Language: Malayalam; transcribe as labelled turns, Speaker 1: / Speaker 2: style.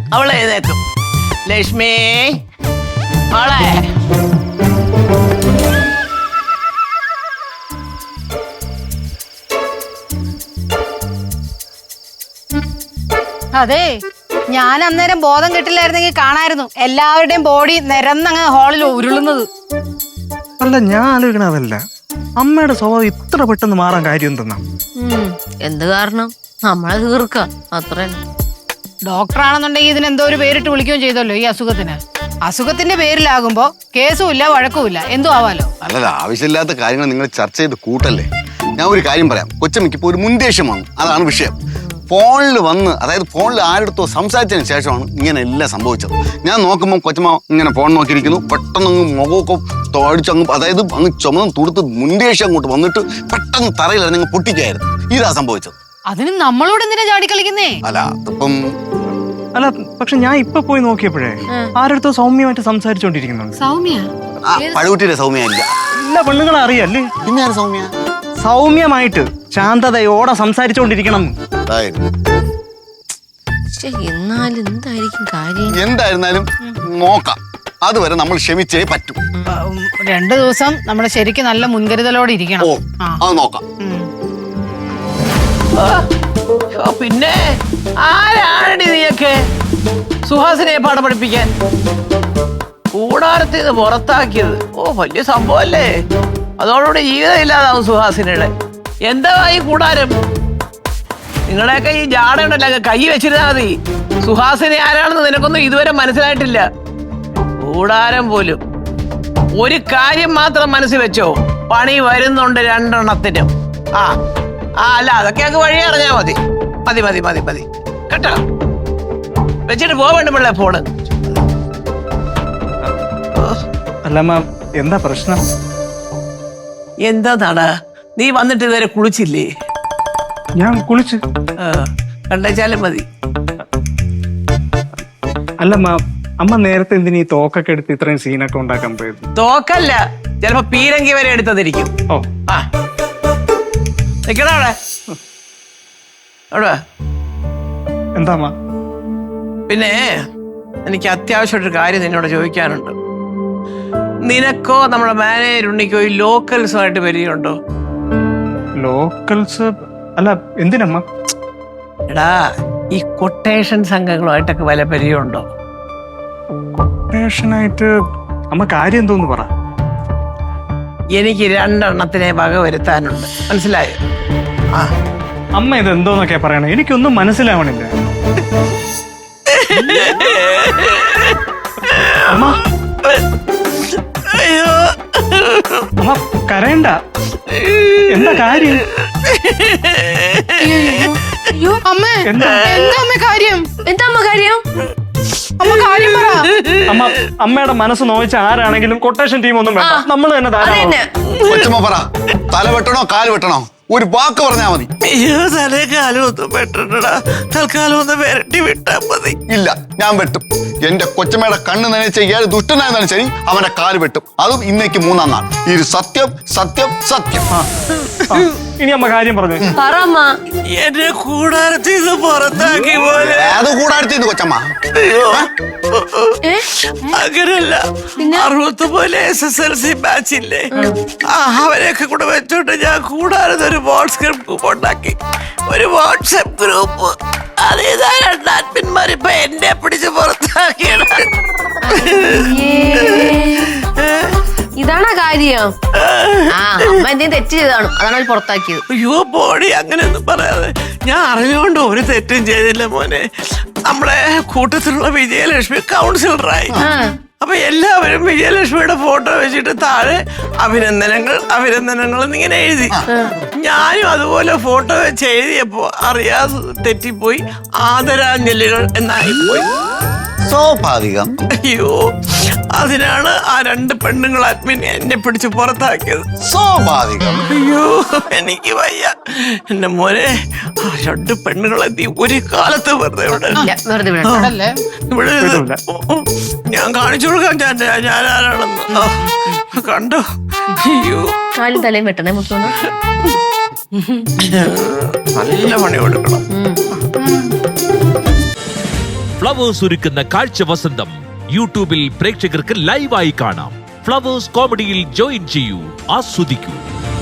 Speaker 1: അവളെ എഴുന്നേക്കും. ലക്ഷ്മി മോളെ.
Speaker 2: അതെ, ഞാൻ അന്നേരം ബോധം കിട്ടില്ലായിരുന്നെങ്കിൽ കാണായിരുന്നു എല്ലാവരുടെയും ബോഡി നിരന്നങ്ങ് ഹാളിൽ ഉരുളുന്നത്.
Speaker 3: അല്ല, ഞാൻ ആലോചിക്കണതല്ല, അമ്മയുടെ സ്വഭാവം ഇത്ര പെട്ടെന്ന് മാറാൻ കാര്യം എന്തെന്നാ?
Speaker 4: എന്ത് കാരണം? നമ്മളെ തീർക്ക അത്ര.
Speaker 2: ഡോക്ടറാണെന്നുണ്ടെങ്കിൽ ഇതിന് എന്തോ ഒരു പേരിട്ട് വിളിക്കുകയും ചെയ്തല്ലോ ഈ അസുഖത്തിന്. അസുഖത്തിന്റെ പേരിലാകുമ്പോ കേസും ഇല്ല വഴക്കുമില്ല, എന്തോ ആവാലോ.
Speaker 5: അല്ലല്ല, ആവശ്യമില്ലാത്ത കാര്യങ്ങൾ നിങ്ങൾ ചർച്ച ചെയ്ത് കൂട്ടല്ലേ. ഞാൻ ഒരു കാര്യം പറയാം. കൊച്ചമ്മയ്ക്ക് ഇപ്പോൾ ഒരു മുൻദേഷ്യം വന്നു, അതാണ് വിഷയം. ഫോണിൽ വന്ന്, അതായത് ഫോണിൽ ആരെടുത്തോ സംസാരിച്ചതിന് ശേഷമാണ് ഇങ്ങനെ എല്ലാം സംഭവിച്ചത്. ഞാൻ നോക്കുമ്പോൾ കൊച്ചമ്മ ഇങ്ങനെ ഫോൺ നോക്കിയിരിക്കുന്നു. പെട്ടെന്ന് അങ്ങ് മുഖമൊക്കെ തോടിച്ചങ്ങ്, അതായത് അങ്ങ് ചുമന്ന് തുടുത്ത് മുൻദേഷ്യം അങ്ങോട്ട് വന്നിട്ട് പെട്ടെന്ന് തറയിലിറങ്ങി അങ്ങ് പൊട്ടിക്കായിരുന്നു. ഇതാ സംഭവിച്ചത്.
Speaker 2: അതിന് നമ്മളോട് എന്തിനാ ചാടിക്കളിക്കുന്നേ?
Speaker 5: അല്ല അതിപ്പം
Speaker 3: അല്ല, പക്ഷെ ഞാൻ ഇപ്പൊ പോയി നോക്കിയപ്പോഴേ ആരെടുത്തോ സൗമ്യമായിട്ട് സംസാരിച്ചോണ്ടിരിക്കുന്നുണ്ട്.
Speaker 2: സൗമ്യ?
Speaker 5: പഴുകുട്ടിയുടെ സൗമ്യ ഇല്ല.
Speaker 3: എല്ലാ പെണ്ണുങ്ങളെ അറിയല്ലേ?
Speaker 5: പിന്നെ ആര് സൗമ്യ?
Speaker 3: സൗമ്യമായിട്ട് ശാന്തതയോടെ സംസാരിച്ചോണ്ടിരിക്കണം.
Speaker 4: എന്നാലും എന്തായിരിക്കും കാര്യം?
Speaker 5: എന്തായിരുന്നാലും നോക്കാം. അതുവരെ നമ്മൾ ക്ഷമിച്ചേ പറ്റൂ.
Speaker 2: 2 ദിവസം നമ്മുടെ ശരിക്കും നല്ല മുൻകരുതലോടെ ഇരിക്കണം.
Speaker 5: ഓ, അത് നോക്കാം.
Speaker 1: പിന്നെ ആരാണടി നീയൊക്കെ സുഹാസിനെ പാഠം പഠിപ്പിക്കാൻ കൂടാരത്തിൽ നിന്ന് പുറത്താക്കിയത്? ഓ, വലിയ സംഭവല്ലേ. അതോടുകൂടി ജീവിതം ഇല്ലാതാവും സുഹാസിനയുടെ. എന്താ ഈ കൂടാരം? നിങ്ങളുടെയൊക്കെ ഈ ജാട ഉണ്ടല്ലോ, കൈ വെച്ചിരുന്നാ മതി. സുഹാസിനെ ആരാണെന്ന് നിനക്കൊന്നും ഇതുവരെ മനസ്സിലായിട്ടില്ല. കൂടാരം പോലും. ഒരു കാര്യം മാത്രം മനസ്സിൽ വെച്ചോ, പണി വരുന്നുണ്ട് 2 എണ്ണത്തിനും. അല്ല, അതൊക്കെ അങ്ങ് വഴി അറിഞ്ഞാ മതി. മതി മതി മതി മതി കേട്ടോ. വെച്ചിട്ട് പോവേണ്ട പിള്ളേ ഫോണ്.
Speaker 3: അല്ലമ്മ, എന്താ പ്രശ്നം?
Speaker 1: എന്താ നീ വന്നിട്ട് ഇതുവരെ കുളിച്ചില്ലേ?
Speaker 3: ഞാൻ കുളിച്ച്.
Speaker 1: കണ്ടേച്ചാലും മതി.
Speaker 3: അല്ലമ്മ, അമ്മ നേരത്തെ എന്തിനീ തോക്കൊക്കെ എടുത്ത് ഇത്രയും സീനൊക്കെ ഉണ്ടാക്കാൻ പോയത്?
Speaker 1: തോക്കല്ല, ചിലപ്പോ പീരങ്കി വരെ എടുത്തതിരിക്കും.
Speaker 3: ഓ,
Speaker 1: നിക്കണ അവിടെ. അവിടെ
Speaker 3: എന്താ അമ്മ?
Speaker 1: പിന്നെ എനിക്ക് അത്യാവശ്യമായിട്ടൊരു കാര്യം നിന്നോട് ചോദിക്കാനുണ്ട്. നിനക്കോ നമ്മുടെ മാനേജർ ഉണ്ണിക്കോ ഈ ലോക്കൽസുമായിട്ട് പരിചയമുണ്ടോ?
Speaker 3: ലോക്കൽസ്? അല്ല, എന്തിനമ്മ?
Speaker 1: എടാ, ഈ കൊട്ടേഷൻ സംഘങ്ങളുമായിട്ടൊക്കെ വല്ല പരിചയമുണ്ടോ?
Speaker 3: കൊട്ടേഷനായിട്ട് അമ്മ കാര്യം എന്തോന്ന് പറ.
Speaker 1: എനിക്ക് 2 എണ്ണത്തിനെ വക വരുത്താനുണ്ട്, മനസ്സിലായോ?
Speaker 3: അമ്മ ഇത് എന്തോന്നൊക്കെയാ പറയണേ? എനിക്കൊന്നും മനസ്സിലാവണില്ല. അമ്മ, അമ്മ കരയണ്ട. എന്താ കാര്യം?
Speaker 2: അയ്യോ അമ്മേ, എന്താ അമ്മ കാര്യം?
Speaker 4: എന്താ അമ്മ കാര്യം?
Speaker 2: അമ്മ കാര്യം പറ.
Speaker 3: അമ്മ, അമ്മയുടെ മനസ്സ് നോവിച്ച ആരാണെങ്കിലും കൊട്ടേഷൻ ടീം ഒന്നും വേണ്ട, നമ്മൾ തന്നെ ധാരാളം.
Speaker 5: കൊച്ചമ്മ പറ, തല വെട്ടണോ കാല് വെട്ടണോ? ഒരു വാക്ക് പറഞ്ഞാ മതി.
Speaker 1: തലേക്കാലം ഒന്നും വെട്ടണടാ, തൽക്കാലം ഒന്ന് വരട്ടി വിട്ടാ മതി.
Speaker 5: ഇല്ല, ഞാൻ വെട്ടും. എന്റെ കൊച്ചമ്മയുടെ കണ്ണ് നനച്ച ഏത് ദുഷ്ടനായിരുന്നാലും ശരി, അവന്റെ കാല് വെട്ടും. അതും ഇന്നേക്ക് 3-ാം നാൾ. ഇത് സത്യം സത്യം സത്യം.
Speaker 3: ഇനി അമ്മ കാര്യം പറഞ്ഞു.
Speaker 1: എന്നെ കൂടാരത്തിൽ നിന്ന് പുറത്താക്കി പോലെ.
Speaker 5: അത് കൂടാരത്തിന്ന് കൊച്ചമ്മ.
Speaker 1: അങ്ങനല്ല, 69 SSLC ബാച്ചില്ലേ, അവരെയൊക്കെ കൂടെ വെച്ചോണ്ട് ഞാൻ കൂടാരത്ത് ഒരു വാട്സ്ആപ്പ് ഗ്രൂപ്പ് ഉണ്ടാക്കി. ഒരു വാട്സ്ആപ്പ് ഗ്രൂപ്പ്. അതേതാ 2 അഡ്മിന്മാർ ഇപ്പൊ എന്നെ പിടിച്ച് പുറത്താക്കിയാണ്.
Speaker 4: ഇതാണോ കാര്യം? അമ്മ എന്തെങ്കിലും തെറ്റ് ചെയ്താണ്, അതാണ് അവർ പുറത്താക്കിയത്.
Speaker 1: അയ്യോ ബോഡി, അങ്ങനെയൊന്നും പറയാതെ. ഞാൻ അറിഞ്ഞുകൊണ്ട് ഒരു തെറ്റും ചെയ്തില്ല മോനെ. നമ്മുടെ കൂട്ടത്തിലുള്ള വിജയലക്ഷ്മി കൗൺസിലറായി. അപ്പൊ എല്ലാവരും വിജയലക്ഷ്മിയുടെ ഫോട്ടോ വെച്ചിട്ട് താഴെ അഭിനന്ദനങ്ങൾ അഭിനന്ദനങ്ങൾ എന്നിങ്ങനെ എഴുതി. ഞാനും അതുപോലെ ഫോട്ടോ വെച്ച് എഴുതിയപ്പോ അറിയാതെ തെറ്റിപ്പോയി ആദരാഞ്ജലികൾ എന്നായിപ്പോയി.
Speaker 5: സ്വാഭാവികം.
Speaker 1: അയ്യോ, അതിനാണ് ആ 2 പെണ്ണുങ്ങൾ അഡ്മിൻ എന്നെ പിടിച്ച് പുറത്താക്കിയത്.
Speaker 5: സ്വാഭാവികം.
Speaker 1: അയ്യോ, എനിക്ക് വയ്യ എന്റെ മോനെ. ആ 2 പെണ്ണുങ്ങളെ നീ ഒരു കാലത്ത് വെറുതെ ഇവിടെ ഞാൻ കാണിച്ചു കൊടുക്കാം ഞാൻ ആരാണെന്ന്. കണ്ടോ? അയ്യോ,
Speaker 4: കാലും തലയും വെട്ടണേ മുത്തോന്ന്.
Speaker 1: നല്ല പണി കൊടുക്കണം.
Speaker 6: ഫ്ലവേഴ്സ് ഒരുക്കുന്ന കാഴ്ച വസന്തം യൂട്യൂബിൽ പ്രേക്ഷകർക്ക് ലൈവായി കാണാം. ഫ്ലവേഴ്സ് കോമഡിയിൽ ജോയിൻ ചെയ്യൂ, ആസ്വദിക്കൂ.